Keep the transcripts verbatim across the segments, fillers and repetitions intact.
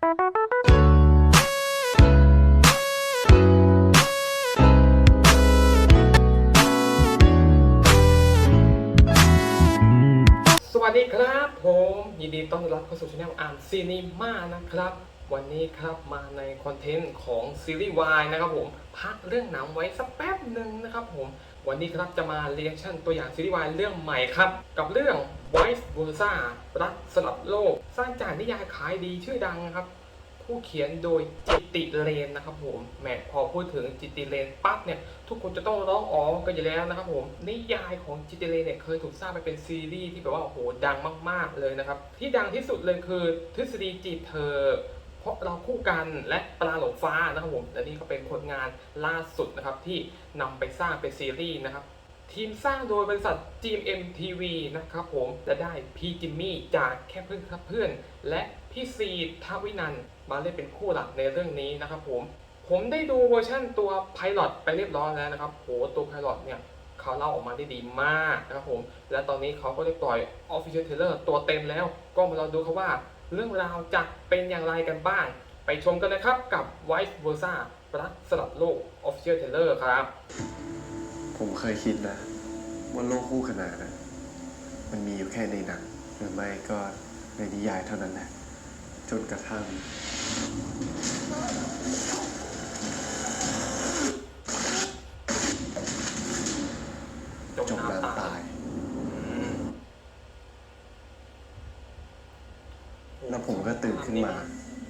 สวัสดีครับผมยินดีต้อนรับเข้าสู่ช่องอ่านซีนีมานะครับวันนี้ครับมาในคอนเทนต์ของซีรีส์วายนะครับผมพักเรื่องหนังไว้สักแป๊บหนึ่งนะครับผมวันนี้ครับจะมาเรียกชั่นตัวอย่างซีรีส์วายเรื่องใหม่ครับกับเรื่อง Vice Versa รักสลับโลกสร้างจากนิยายขายดีชื่อดังครับผู้เขียนโดยจิตติเรนนะครับผมแหมพอพูดถึงจิตติเรนปั๊บเนี่ยทุกคนจะต้องร้องอ๋อกันอยู่แล้วนะครับผมนิยายของจิตติเรนเนี่ยเคยถูกสร้างไปเป็นซีรีส์ที่แบบว่าโอ้โหดังมากๆเลยนะครับที่ดังที่สุดเลยคือทฤษฎีจีบเธอเพราะเราคู่กันและปลาหลงฟ้านะครับผมและนี่ก็เป็นผลงานล่าสุดนะครับที่นำไปสร้างเป็นซีรีส์นะครับทีมสร้างโดยบริษัท จี เอ็ม ที วี นะครับผมและได้พี่จิมมี่จากแค่เพื่อนครับเพื่อนและพี่ซีทวินันท์มาเล่นเป็นคู่หลักในเรื่องนี้นะครับผมผมได้ดูเวอร์ชั่นตัวไพลอตไปเรียบร้อยแล้วนะครับโหตัวไพลอตเนี่ยเขาเล่าออกมาได้ดีมากนะครับผมและตอนนี้เขาก็ได้ปล่อย Official Trailer ตัวเต็มแล้วก็มาลองดูครับว่าเรื่องราวจะเป็นอย่างไรกันบ้างไปชมกันนะครับกับ Vice Versa รักสลับโลก Official Trailer ครับผมเคยคิดนะว่าโลกคู่ขนานนะมันมีอยู่แค่ในหนังหรือไม่ก็ในนิยายเท่านั้นแหละจนกระทั่งจมน้ำตายแล้วผมก็ตื่นขึ้นมา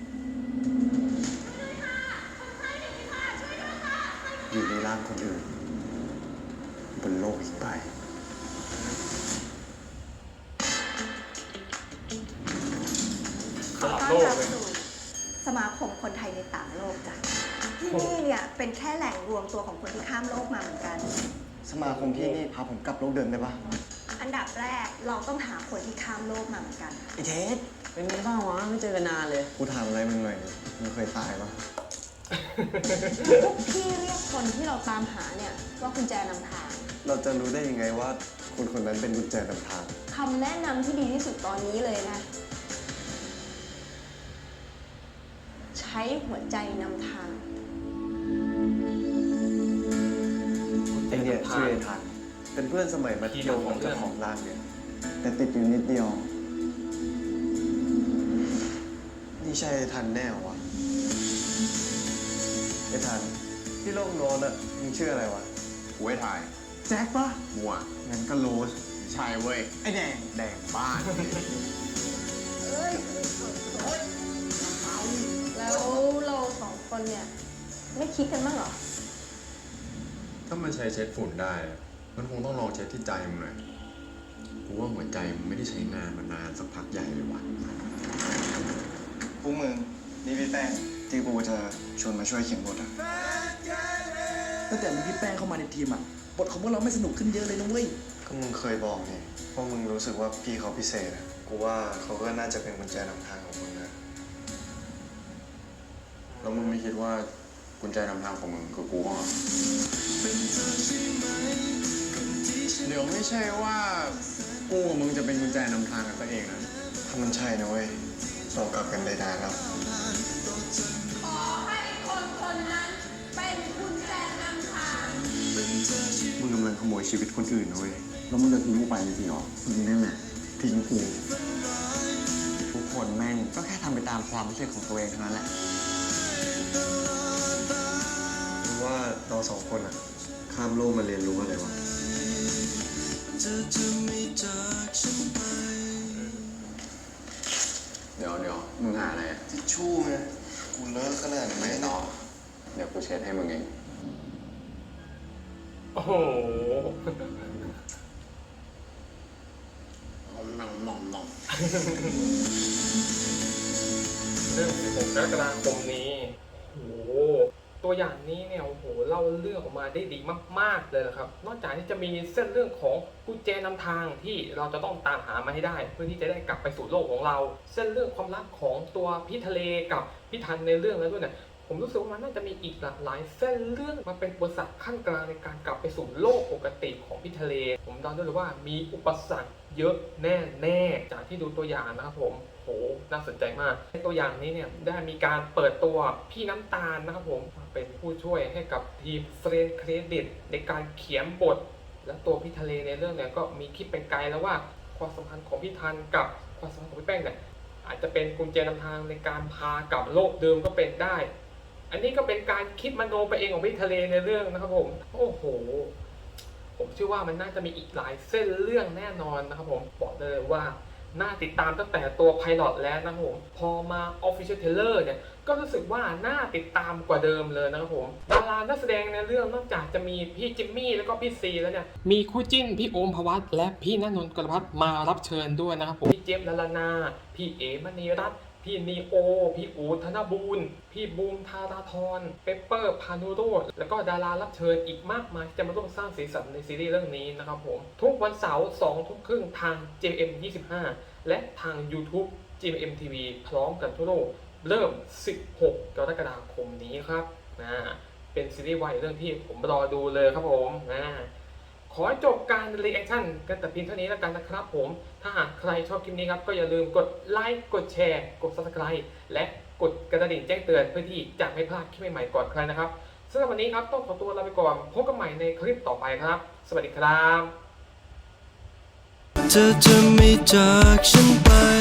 อยู่ในร่างคนอื่นบนโลกอีกใบสลับโลกเลยสมาคมคนไทยในต่างโลกจ้ะที่นี่เนี่ยเป็นแค่แหล่งรวมตัวของคนที่ข้ามโลกมาเหมือนกันสมาคมที่นี่พาผมกลับโลกเดิมได้ปะอันดับแรกเราต้องหาคนที่ข้ามโลกมาเหมือนกันไอเทสเป็นไงบ้างวะไม่เจอกันนานเลยกูถามอะไรมึงหน่อยมึงเคยตายปะพวกพี่เรียกคนที่เราตามหาเนี่ยว่ากุญแจนำทางเราจะรู้ได้ยังไงว่าคนคนนั้นเป็นกุญแจนำทางคำแนะนำที่ดีที่สุดตอนนี้เลยนะใช้หัวใจนำทางไอเนี่ยชื่อไอทันเป็นเพื่อนสมัยมัธยมของเจ้าของร้านเนี่ยแต่ติดอยู่นิดเดียวนี่ใช่ไอทันแน่วะไอทันที่โลกโน้นอะมึงชื่ออะไรวะกูให้ถ่ายแจ็คปะมัวงั้นก็โรสใช่เว้ยไอแดงแดงบ้านแล้วเราสองคนเนี่ยไม่คิดกันบ้างเหรอถ้ามันใช้เช็ดฝุ่นได้มันคงต้องลองเช็ดที่ใจมึงหน่อยกูว่าหัวใจมึงไม่ได้ใช้งานมานานสักพักใหญ่เลยว่ะพวกมึงนี่พี่แป้งที่กูจะชวนมาช่วยเขียนบทอะตั้งแต่มีพี่แป้งเข้ามาในทีมอ่ะบทของพวกเราไม่สนุกขึ้นเยอะเลยนะเว้ยก็มึงเคยบอกนี่ว่ามึงรู้สึกว่าพี่เขาพิเศษอะกูว่าเขาก็น่าจะเป็นกุญแจนำทางของมึงนะแล้วมึงไม่คิดว่ากุญแจนำทางของมึงคือกูเหรอเดี๋ยวไม่ใช่ว่ากูกับมึงจะเป็นกุญแจนำทางกันซะเองนะถ้ามันใช่นะเว้ยเรากลับกันได้นานแล้วขอให้คนคนนั้นเป็นกุญแจนำทางมึงกำลังขโมยชีวิตคนอื่นนะเว้ยแล้วมึงจะทิ้งกูไปจริงเหรอมึงนั่นแหละทิ้งกูทุกคนแม่งก็แค่ทำไปตามความรู้สึกของตัวเองเท่านั้นแหละมึงว่าเราสองคนอะข้ามโลกมาเรียนรู้อะไรวะเดี๋ยวเดี๋ยวมึงหาอะไรทิชชู่ไงกูเลิกขนาดนี้ไม่ต่อเดี๋ยวกูเช็ดให้มึงเองโอ้โหนองนองนองเรื่องสิบหกกรกฎาคมนี้โอ้โหตัวอย่างนี้เนี่ยโอ้โหเล่าเรื่องออกมาได้ดีมากๆเลยนะครับนอกจากที่จะมีเส้นเรื่องของกุญแจนำทางที่เราจะต้องตามหามาให้ได้เพื่อที่จะได้กลับไปสู่โลกของเราเส้นเรื่องความรักของตัวพี่ทะเลกับพี่ทันในเรื่องแล้วด้วยเนี่ยผมรู้สึกว่ามันน่าจะมีอีกหลากหลายเส้นเรื่องมาเป็นอุปสรรคขั้นกลางในการกลับไปสู่โลกปกติของพี่ทะเลผมเดาได้เลยว่ามีอุปสรรคเยอะแน่ๆจากที่ดูตัวอย่างนะครับผมโหน่าสนใจมากในตัวอย่างนี้เนี่ยได้มีการเปิดตัวพี่น้ำตาลนะครับผมเป็นผู้ช่วยให้กับทีมเฟรนเครดิตในการเขียนบท และตัวพี่ทะเลในเรื่องเนี่ยก็มีคิดเป็นไกลแล้วว่าความสัมพันธ์ของพี่ทันกับความสัมพันธ์ของพี่แป้งเนี่ยอาจจะเป็นกุญแจนำทางในการพากลับโลกเดิมก็เป็นได้ อันนี้ก็เป็นการคิดมโนไปเองของพี่ทะเลในเรื่องนะครับผมโอ้โหผมเชื่อว่ามันน่าจะมีอีกหลายเส้นเรื่องแน่นอนนะครับผมบอกเลยว่าน่าติดตามตั้งแต่ตัวไพลอตแล้วนะครับผมพอมา Official Trailer เนี่ยก็รู้สึกว่าน่าติดตามกว่าเดิมเลยนะครับผมดารานักแสดงในเรื่องนอกจากจะมีพี่จิมมี่แล้วก็พี่ซีแล้วเนี่ยมีคู่จิ้นพี่โอมพวัตและพี่ณนนท์กรพัฒน์มารับเชิญด้วยนะครับผมพี่เจมส์ลลานาพี่เอมณีรัตน์พี่นีโอพี่อูธนบูรณ์พี่บูมธาราธรเปเปอร์พานุโรจน์แล้วก็ดารารับเชิญอีกมากมายที่จะมาร่วมสร้างสีสันในซีรีส์เรื่องนี้นะครับผมทุกวันเสาร์สองทุ่มครึ่งทาง เจ เอ็ม ยี่สิบห้า และทาง YouTube จี เอ็ม ที วี พร้อมกันทั่วโลกเริ่มสิบหกกรกฎาคมนี้ครับนะเป็นซีรีส์วายเรื่องที่ผมรอดูเลยครับผมนะขอจบการรีแอคชั่นกันแต่เพียงเท่านี้แล้วกันนะครับผมถ้าหากใครชอบคลิปนี้ครับก็อย่าลืมกดไลค์กดแชร์กด ซับสไครบ์ และกดกระดิ่งแจ้งเตือนเพื่อที่จะไม่พลาดคลิปใหม่ๆก่อนใครนะครับสำหรับวันนี้ครับต้องขอตัวลาไปก่อนพบกันใหม่ในคลิปต่อไปครับ สวัสดีครับเธอจะไม่จากฉันไป